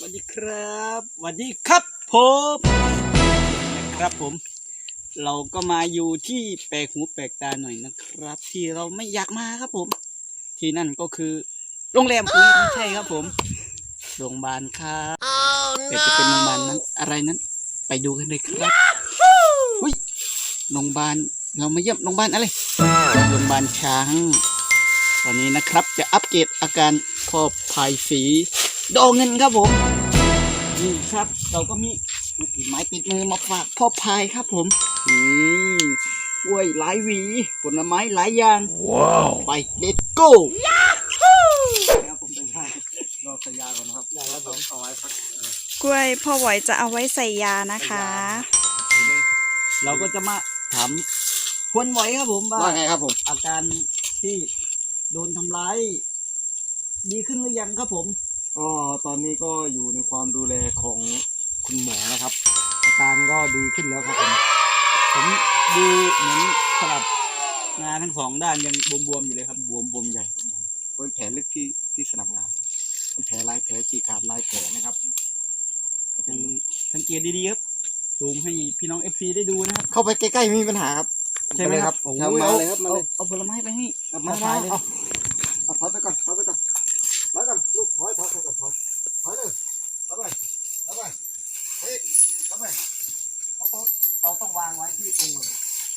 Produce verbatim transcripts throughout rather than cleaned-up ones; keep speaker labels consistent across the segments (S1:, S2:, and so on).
S1: วัสดีครับสวัสดีครับผมนะครับผมเราก็มาอยู่ที่แปลกหูแปลกตาหน่อยนะครับ ที่เราไม่อยากมาครับผม ที่นั่นก็คือโรงแรมอุ้ยไม่ใช่ครับผมโรงพยาบาลครับแต่จะเป็นโรงพยาบาลนั้นอะไรนั้น ไปดูกันเลยครับอุ้ยโรงพยาบาลเรามาเยี่ยมโรงพยาบาลอะไรโรงพยาบาลช้างวันนี้นะครับจะอัปเกรดอาการพ่อพายสีดอกเงินครับผมนี่ครับเราก็มีไม้ติดมือมาฝากพ่อพายครับผมนี่กล้วยหลายหวีผลไม้หลายอย่างว้าวไปเลตโก้ครับผมเป็นท่ารอสัญญาก่อนนะครับได้แล้วผมเอาไว้พัก
S2: กล้วยพ่อไหวจะเอาไว้ใส่ยานะคะ
S1: เราก็จะมาถามควรไหวครับผมว่าไงครับผมอาการที่โดนทำร้ายดีขึ้นหรือยังครับผม
S3: ก็ตอนนี้ก็อยู่ในความดูแลของคุณหมอนะครับอาการก็ดีขึ้นแล้วครับผม
S1: ผมดูเหมือนสลับงานทั้งสองด้านยังบวมๆอยู่เลยครับ
S3: บวมบวมใหญ่ครับผมเป็นแผลลึกที่ที่สนับงานเป็นแผลลายแผลฉีกขาดลายแผลนะครับ
S1: สังเกตดีๆครับซูมให้พี่น้องเอฟซีได้ดูนะครับ
S3: เข้าไปใกล้ๆไม่มีปัญหาครับ
S1: ใช่ไหมครับ
S3: โอ้มาเลยครับมาเลย
S1: เอาผลไม้ไปให้
S3: มาทายเลยเอาเอาถอยไปก่อนถอยไปก่อนถอยก่อนลูกถอยถอยถอยก่อนถอยถอยเลยถอยไปถอยไปเฮ้ยถอยไปเราต้องเราต้องวางไว้ที่ตรงมือ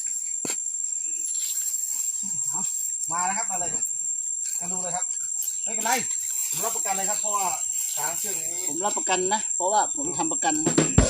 S3: มาแล้วครับมาเลยกันดูเลยครับไม่เป็นไรผมรับประกันเลยครับเพราะว่าช้างเชือกนี้
S1: ผมรับประกันนะเพราะว่าผมทำประกัน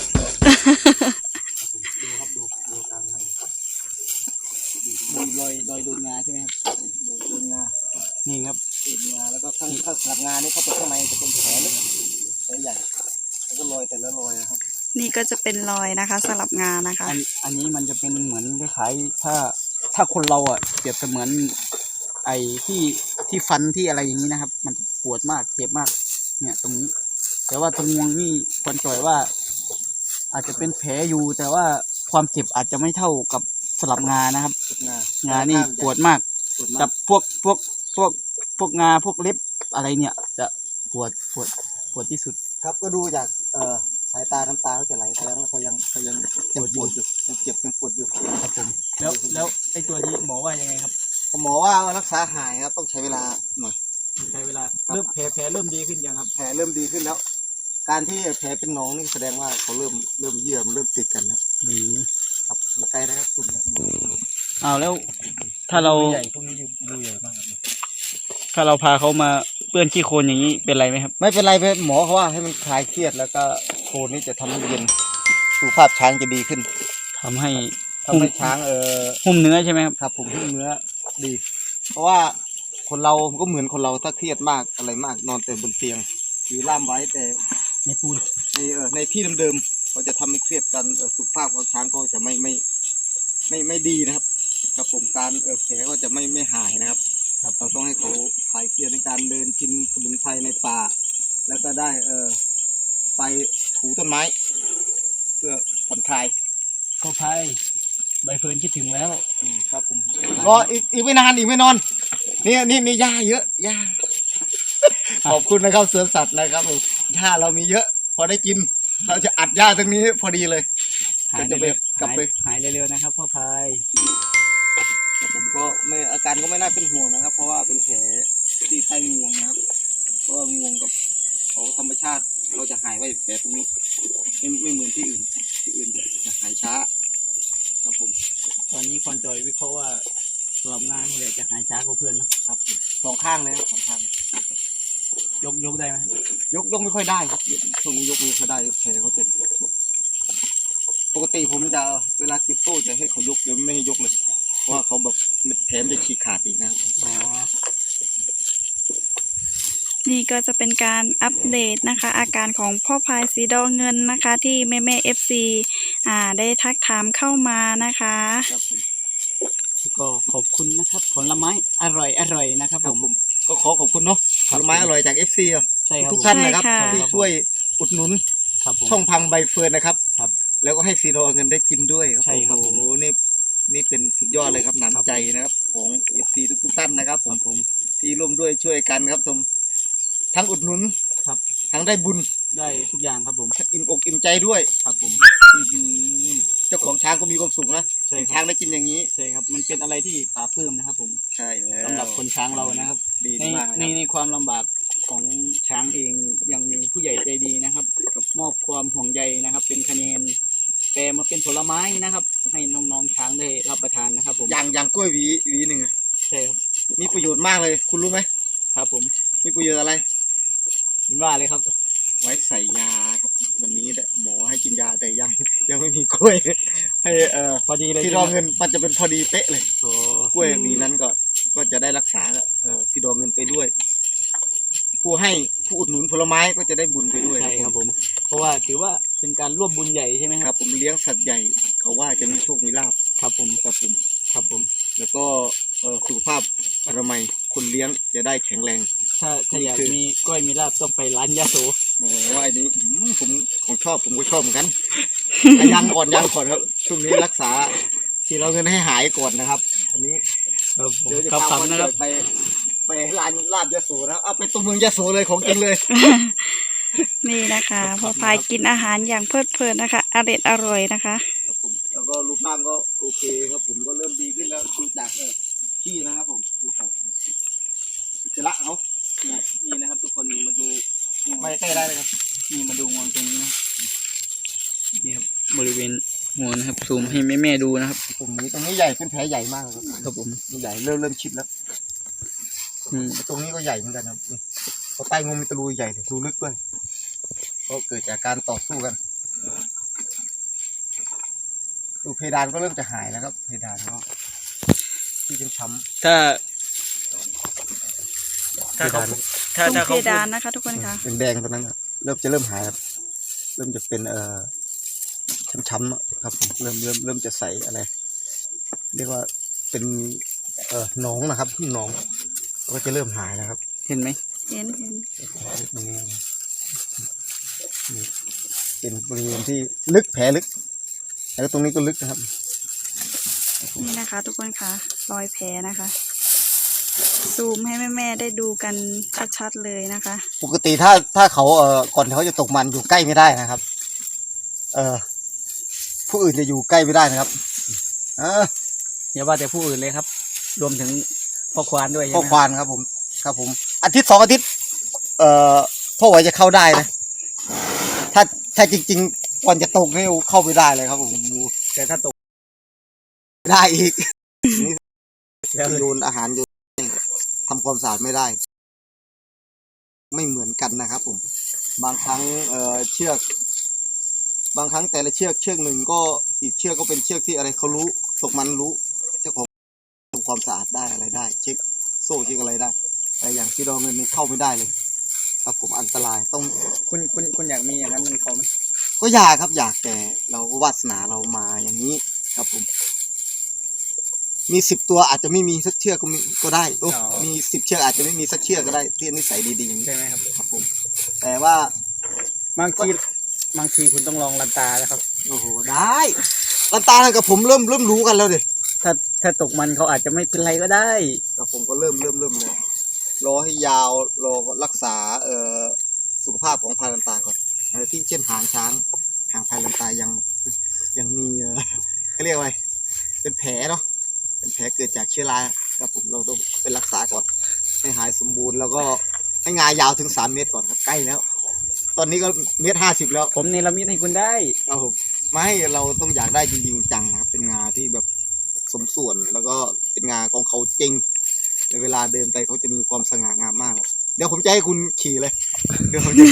S3: ดูครับดูดูการให้
S1: ดูรอยรอยโดนงาใช่ไหมครับโดนงานี่ครับ
S3: โดนงาแล้วก็ข้างข้างสลับงานี่เข้าไปข้างในจะเป็นแผลเล็กแผลใหญ่แล้วก็รอยแต่ละรอยนะครับ
S2: นี่ก็จะเป็นรอยนะคะสลับงานะคะ
S1: อันอันนี้มันจะเป็นเหมือนคล้ายๆถ้าถ้าคนเราอ่ะเปรียบเสมือนไอ้ที่ที่ฟันที่อะไรอย่างนี้นะครับมันปวดมากเจ็บมากเนี่ยตรงนี้แต่ว่าตรงงวงนี่ควรจ่อยว่าอาจจะเป็นแผลอยู่แต่ว่าความเจ็บอาจจะไม่เท่ากับสลับงานะครับงานี่ปวดมากกับพวกพวกพวกพวกงาพวกเล็บอะไรเนี่ยจะปวดปวดปวดที่สุด
S3: ครับก็ดูจากเอ่อสายตาน้ำตาเขาจะไหลแสดงว่าเขายังเขายังปวดอยู่ยังเจ็บยังปวดอยู่
S1: ครับผมแล้วแล้วไอ้ตัวนี้หมอว่ายังไงครับ
S3: หมอว่ารักษาหายครับต้องใช้เวลาหน่อย
S1: ใช้เวลาเริ่มแผลแผลเริ่มดีขึ้นยังครับ
S3: แผลเริ่มดีขึ้นแล้วการที่แผลเป็นหนองนี่แสดงว่าเขาเริ่มเริ่มเยื่อมเริ่มติดกันนะ
S1: อืม
S3: ครับมาใกล้นะครับตุ่มเนี่ย
S1: อ้าวแล้วถ้าเรา
S3: ใหญ่พวกนี้ดูใหญ่มาก
S1: ถ้าเราพาเขามาเปื้อนขี้โคลนอย่างนี้เป็นไรไหมครับ
S3: ไม่เป็นไรเพื่อนหมอเขาว่าให้มันคลายเครียดแล้วก็โคลนนี่จะทำให้เย็นสุขภาพช้างจะดีขึ้น
S1: ทำให้
S3: ทำให้ช้างเออ
S1: หุ้มเนื้อใช่ไหมครับ
S3: ครับผมหุ้มเนื้อดีเพราะว่าคนเราก็เหมือนคนเราถ้าเครียดมากอะไรมากนอนแต่บนเตียงหรือล่ามไว้แต่
S1: ในปูน
S3: ในเออในที่เดิมๆก็จะทำให้เครียดกันเออสุขภาพของช้างก็จะไม่ไม่ไม่ไม่ดีนะครับกับผมการเออแผลก็จะไม่ไม่หายนะครับครับเราต้องให้เขาคลายเครียดในการเดินกินสมุนไพรในป่าแล้วก็ได้เออไปถูต้นไม้เพื่อผ่อนคลาย
S1: ก็พายใบเฟิร์นคิดถึงแล้ว
S3: ครับผมก็อีกอีกไม่นานอีกไม่นอนนี่นี่นี่หญ้าเยอะหญ้าขอบคุณนะครับสวนสัตว์นะครับหญ้าเรามีเยอะพอได้กินเราจะอัดหญ้าตรงนี้พอดีเลย
S1: จะไปกลับไปหายเร็วๆนะครับพ่อพาย
S3: ผมก็ไม่อาการก็ไม่น่าเป็นห่วงนะครับเพราะว่าเป็นแผลที่ใต้งวงนะครับเพราะว่างวงกับเขาธรรมชาติเราจะหายไว้แผลตรงนี้ไม่ไม่เหมือนที่อื่นที่อื่นจะจะหายช้าครับผม
S1: ตอนนี้คอนจอยวิเคราะห์ว่าสลับงานนี่แหละจะหายช้ากว่าเพื่อนนะครับ
S3: สองข้างเลยสองข้าง
S1: ยกยกได้ไหม
S3: ยกยกไม่ค่อยได้ครับช่วงนี้ยกไม่ค่อยได้แผลเขาจะปกติผมจะเวลาเก็บโต้จะให้เขายกเดี๋ยวไม่ให้ยกเลยเพราะว่าเขาแบบแผลจะฉีกขาดอีกนะครับ
S1: อ๋อ
S2: นี่ก็จะเป็นการอัปเดตนะคะอาการของพ่อพายสีดอเงินนะคะที่แม่แม่เอฟซีอ่าได้ทักถามเข้ามานะคะ
S1: ก็ขอบคุณนะครับผลไม้อร่อยอร่อยนะครับผม
S3: ก็ขอขอบคุณเนาะผลไม้อร่อยจากเอฟซี
S1: ใช่ครับ
S3: ทุกท่านนะครับที่ช่วยอุดหนุนช่องพังใบเฟิร์นนะครับ
S1: ครับ
S3: แล้วก็ให้ซีโรเงินได้กินด้วยครับ
S1: ใช่ครับ
S3: โอ้โหนี่นี่เป็นสุดยอดเลยครับน้ำใจนะครับของเอฟซีทุกท่านนะครับผม
S1: ผม
S3: ที่ร่วมด้วยช่วยกันครับผมทั้งอุดหนุน
S1: ครับ
S3: ทั้งได้บุญ
S1: ได้ทุกอย่างครับผม
S3: อิ่มอกอิ่มใจด้วย
S1: ครับผม
S3: อื้อหือเจ้าของช้างก็มีความสุขนะ
S1: ใช่
S3: เห็น
S1: ค
S3: ช้า
S1: รับ
S3: งได้กินอย่างนี้
S1: ใช่ครับมันเป็นอะไรที่ปลาปลื้มนะครับผม
S3: ใช่แล้ว
S1: สำหรับคนช้างเรานะครับ
S3: ดี
S1: ใน
S3: มาก
S1: ใน
S3: นะ
S1: ในความลำบากของช้างเองยังมีผู้ใหญ่ใจดีนะครับ มอบความห่วงใยนะครับ เป็นคะแนนแปลมาเป็นผลไม้นะครับ ให้น้องๆช้างได้รับประทานนะครับ ผม
S3: อย่างอย่างกล้วยหวีหวีหนึ่งอะ
S1: ใช่ครับ
S3: มีประโยชน์มากเลย คุณรู้ไหม
S1: ครับผม
S3: มีประโยชน์อะไร
S1: มันว่าเลยครับ
S3: ไว้ใส่ยาครับวันนี้หมอให้กินยาแต่ยังยังไม่มีกล้วย ให้เอ่อ
S1: พอดีเลย
S3: ที่รอเงินมันจะเป็นพอดีเป๊ะเลย
S1: โอ้
S3: กล้วยหวีนั้นก็ก็จะได้รักษาเอ่อซีดอเงินไปด้วย ผู้ให้ผู้อุดหนุนผลไม้ก็จะได้บุญไปด้วย
S1: ใช่ครับผม เพราะว่าถือว่าเป็นการร่วมบุญใหญ่ใช่ไหมค
S3: ค
S1: รั
S3: รับ บผมเลี้ยงสัตว์ใหญ่เขาว่าจะมีโชคมีลาภ
S1: ครับผม
S3: ครับผม
S1: ครับผม
S3: แล้วก็เอ่อสุขภาพอนามัยคนเลี้ยงจะได้แข็งแรง
S1: ถ้าถ้า
S3: นี่
S1: อยาก
S3: คือ
S1: มีกล้วยมีลาบต้องไปร้านยาโส
S3: โอ้ไอ้นี้อืมผมของชอบผมก็ชอบเหมือนกัน อ่ะยังก่อนยังก่อนครับช่วงนี้รักษาที่เราเงินให้หายก่อนนะครับ อันนี้
S1: ครับผม
S3: เดี๋ยวจะ
S1: ครับ
S3: พา
S1: ครับ
S3: วัน
S1: นะครับ
S3: เกิดไปไปร้านลาบยะโสนะครับเอาไปตัวเมืองยะโสเลยของจริงเลย
S2: นี่นะคะพ่อพายกินอาหารอย่างเพลิดเพลินนะคะอร่อยอร่อยนะคะ
S3: ครับผมแล้วก็รูปร่างก็โอเคครับผมก็เริ่มดีขึ้นแล้วดูจากเออขี้นะครับผมดูจากเอออุจจาระเขา
S1: นี่นะครับทุกคนนี่มาดู
S3: ไม่ใกล้ได้เลยครับ
S1: นี่มาดูงวงตรงนี้นะนี่ครับบริเวณงวงนะครับซูมให้แม่แม่ๆดูนะครับ
S3: ตรงนี้ตรงนี้ใหญ่เป็นแผลใหญ่มากครับ
S1: ครับผม
S3: ใหญ่เริ่มเริ่มชิดแล้ว
S1: อืม
S3: ตรงนี้ก็ใหญ่เหมือนกันครับนี่เพราะใต้งวงมีตะลุยใหญ่เลยรูลึกด้วยก็เกิดจากการต่อสู้กันดูเพดานก็เริ่มจะหายแล้วครับ เพดานก็ที่เป็นช้ำ
S1: ถ้า ถ้าเขา
S3: เพดาน
S1: ถ้า
S2: ตรง
S1: ถ้าเขาพูด
S2: เพดานนะคะทุกคนค่ะ
S3: เป็นแดงตรงนั้นครับเริ่มจะเริ่มหายครับเริ่มจะเป็นเอ่อช้ำๆอะครับผมเริ่มเริ่มเริ่มจะใสอะไร เรียกว่าเป็นเอ่อหนองนะครับหนองก็จะเริ่มหายนะครับ
S1: เห็นไหม
S2: เห็นเห็น
S3: ตรงนี้นี่เป็นบริเวณที่ลึกแผลลึกแล้วตรงนี้ก็ลึกนะครับ
S2: นี่นะคะ ทุกคนค่ะรอยแผลนะคะ ซูมให้แม่ๆได้ดูกันชัดๆเลยนะคะ
S3: ปกติถ้าถ้าเขาเอ่อก่อนเขาจะตกมันอยู่ใกล้ไม่ได้นะครับ เอ่อผู้อื่นจะอยู่ใกล้ไม่ได้นะครับเออ
S1: อย่าว่าแต่ผู้อื่นเลยครับ รวมถึงพ่อควานด้วยใช่
S3: พ่อ
S1: ไหม
S3: ควานครับผม ครับผม อาทิตย์สองอาทิตย์ เอ่อพ่อไหวจะเข้าได้นะ ถ้าถ้าจริงๆก่อนจะตกนี่เข้าไม่ได้เลยครับผม
S1: แต่ถ้าตก
S3: ไม่ได้อีก
S1: แล้ว
S3: โยนอาหารโยนทำความสะอาดไม่ได้ ไม่เหมือนกันนะครับผม บางครั้งเอ่อเชือก บางครั้งแต่ละเชือกเชือกหนึ่งก็อีกเชือกก็เป็นเชือกที่อะไรเขารู้ตกมันรู้เจ้าของทำความสะอาดได้อะไรได้ เช็คโซ่เช็คอะไรได้ แต่อย่างที่เราเงินนี่เข้าไม่ได้เลย ครับผมอันตรายต้อง
S1: คุณคุณคุณอยากมีอย่างนั้นมันเขาไหม
S3: ก็อยากครับอยากแต่เราก็วาสนาเรามาอย่างนี้ครับผม มีสิบตัวอาจจะไม่มีสักเชือกก็มีก็ได้โอ้มีสิบเชือกอาจจะไม่มีสักเชือกก็ได้ที่นิสัยดีๆ
S1: ใช่ไหมครับ
S3: ครับผม แต่ว่า
S1: บางทีบางทีคุณต้องลองลันตานะครับ
S3: โอ้โหได้ลันตากับผมเริ่มเริ่มรู้กันแล้วดิ
S1: ถ้าถ้าตกมันเขาอาจจะไม่เป็นไรก็ได้
S3: ครับผมก็เริ่มเริ่มเริ่มเลยรอให้ยาวรอรักษาเอ่อสุขภาพของพายลันตาก่อนเอ่อที่เช่นหางช้างหางพายลันตายังยังมีเอ่อเขาเรียกว่าไงเป็นแผลเนาะเป็นแผลเกิดจากเชื้อราครับผมเราต้องไปรักษาก่อน ให้หายสมบูรณ์แล้วก็ให้งายาวถึงสามเมตรก่อนครับใกล้แล้ว ตอนนี้ก็เมตรห้าสิบแล้ว
S1: ผมเนรมิตให้คุณได้
S3: ครับผมไม่เราต้องอยากได้จริงๆจังนะครับเป็นงาที่แบบสมส่วนแล้วก็เป็นงาของเขาจริงในเวลาเดินไปเขาจะมีความสง่างามมาก เดี๋ยวผมจะให้คุณขี่เลยเดี๋ยวผมจะ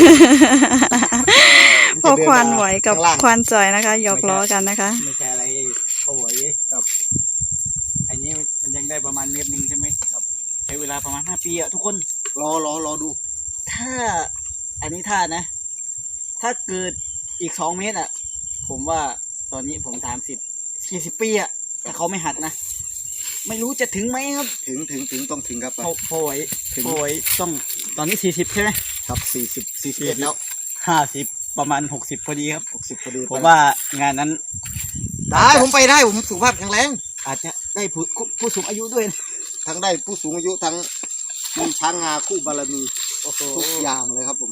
S2: พ่อควานไหวกับ
S3: ข้างล่าง
S2: ควานจ่อยนะคะหยอกล้อกันนะคะ
S1: ไม่ใช่อะไรเขาไหวกับอันนี้มันยังได้ประมาณเมตรหนึ่งใช่ไหมครับใช้เวลาประมาณห้าปีอะทุกคน
S3: รอรอรอดู
S1: ถ้าอันนี้ถ้านะ ถ้าเกิดอีกสองเมตรอ่ะ ผมว่าตอนนี้ผมสามสิบสี่สิบปีอ่ะถ้าเขาไม่หัดนะ ไม่รู้จะถึงไหมครับ
S3: ถึงถึงถึงต้องถึงครับ
S1: พอพอไหว
S3: ถึง
S1: พอไหวต้องตอนนี้สี่สิบใช่ไหม
S3: ครับสี่สิบสี่สิบเอ็ดแล้ว
S1: ห้าสิบประมาณหกสิบพอดีครับ
S3: หกสิบพอดี
S1: ผมว่างานนั้น
S3: ได้ผมไปได้ผมสุขภาพแข็งแรง
S1: อาจจะได้ผู้ผู้สูงอายุด้วยนะ
S3: ทั้งได้ผู้สูงอายุทั้งมีช้างงาคู่บารมี
S1: โอ้โห
S3: ทุกอย่างเลยครับผม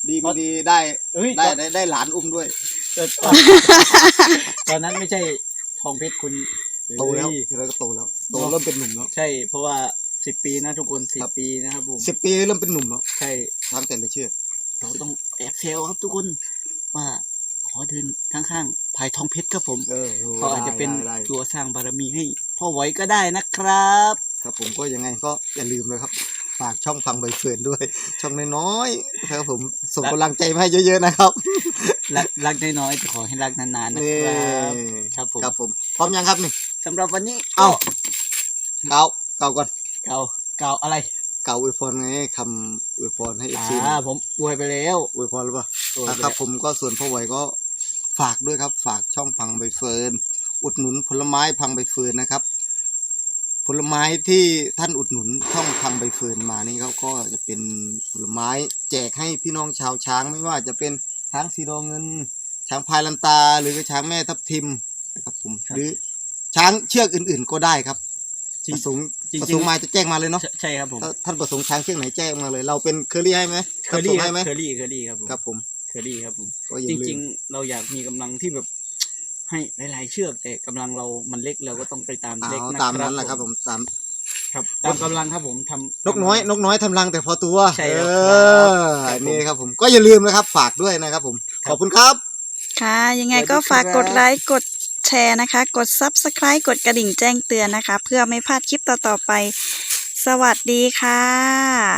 S3: ดีไม่ดีได้
S1: เอ้ย
S3: ได้ได้ได้หลานอุ้มด้วย
S1: ตอนตอนนั้นไม่ใช่ทองเพชรคุณ
S3: โตแล้ว
S1: เอ้ย
S3: ทีไรก็โตแล้วโตเริ่มเป็นหนุ่มแล้ว
S1: ใช่เพราะว่าสิบปีนะทุกคนสิบ
S3: ครับ
S1: ปีนะครับผม
S3: สิบปีเริ่มเป็นหนุ่มแล้ว
S1: ใช่
S3: ทางแต่ละเชือก
S1: เราต้องแอบเซลครับทุกคนว่าขอเดินข้างๆภายทองเพชรครับผม
S3: เออ
S1: เขาอาจจะเป็น
S3: ได้ได้
S1: ตัวสร้างบารมีให้พ่อไว้ก็ได้นะครับ
S3: ครับผมก็ยังไงก็อย่าลืมเลยครับฝากช่องฟังใบเฟิร์นด้วย ช่องน้อยๆครับผมส่งกำลังใจมาให้เยอะๆนะครับ
S1: รักรักน้อยๆแต่ขอให้รักนานๆนะ
S3: นี่
S1: ครับครับผม
S3: ครับผมพร้อมยังครับนี่
S1: สำหรับวันนี้
S3: เอ้า เกาเกาก่อน
S1: เก่าเก่าอะไร
S3: เกาอวยพรไงคำอวยพรให้เอฟซี
S1: อ่าผมอวยไปแล้ว
S3: อวยพรหรือเปล่า
S1: อวย
S3: อ่ะ
S1: ไป
S3: ครับ
S1: แล้ว
S3: ผมก็ส่วนพ่อไหวก็ฝากด้วยครับ ฝากช่องพังใบเฟิร์นอุดหนุนผลไม้พังใบเฟิร์นนะครับ ผลไม้ที่ท่านอุดหนุนช่องพังใบเฟิร์นมานี่เขาก็จะเป็นผลไม้แจกให้พี่น้องชาวช้างไม่ว่าจะเป็นช้างสีดอเงิน ช้างพายลันตา หรือช้างแม่ทับทิมนะครับผมหรือช้างเชือกอื่น ๆ ก็ได้ครับ
S1: จริง
S3: ประสงค์
S1: จริง
S3: ประ
S1: จริ
S3: ส
S1: ง
S3: งค์มาจะแจ้งมาเลยเนาะ
S1: ใช่ใช่ครับผม
S3: ถ้าท่านประสงค์ช้างเชือกไหนแจ้งมาเลย เราเป็นเคอรี่ให้ไหม
S1: เคอรี่
S3: ส่ง
S1: ครั
S3: ให้
S1: บ
S3: ไหม
S1: เคอรี่เคอรี่ครับผม
S3: ครับผม
S1: เคอรี่ครับผม
S3: ก็อย่า
S1: จ
S3: ลื
S1: ริง
S3: ม
S1: ๆ เราอยากมีกำลังที่แบบ ให้หลายๆเชือกแต่กำลังเรามันเล็กเราก็ต้องไปตาม
S3: เอา
S1: เล็กนะ
S3: ตามนั้นแหละครับผมตาม
S1: ครับตามกำลังครับผมทำ
S3: นกน้อยนกน้อยทำรังแต่พอตัว
S1: ใช่ครับ
S3: เอ
S1: ครับ
S3: อนี่ครับผมก็อย่าลืมนะครับ ฝากด้วยนะครับผม ขอบคุณครับ
S2: ค่ะ ยังไง
S1: สวัสดี
S2: ก็ฝาก
S1: ครับ
S2: กดไลค์ กดแชร์นะคะ กด ซับสไครบ์ กดกระดิ่งแจ้งเตือนนะคะ เพื่อไม่พลาดคลิปต่อๆไป สวัสดีค่ะ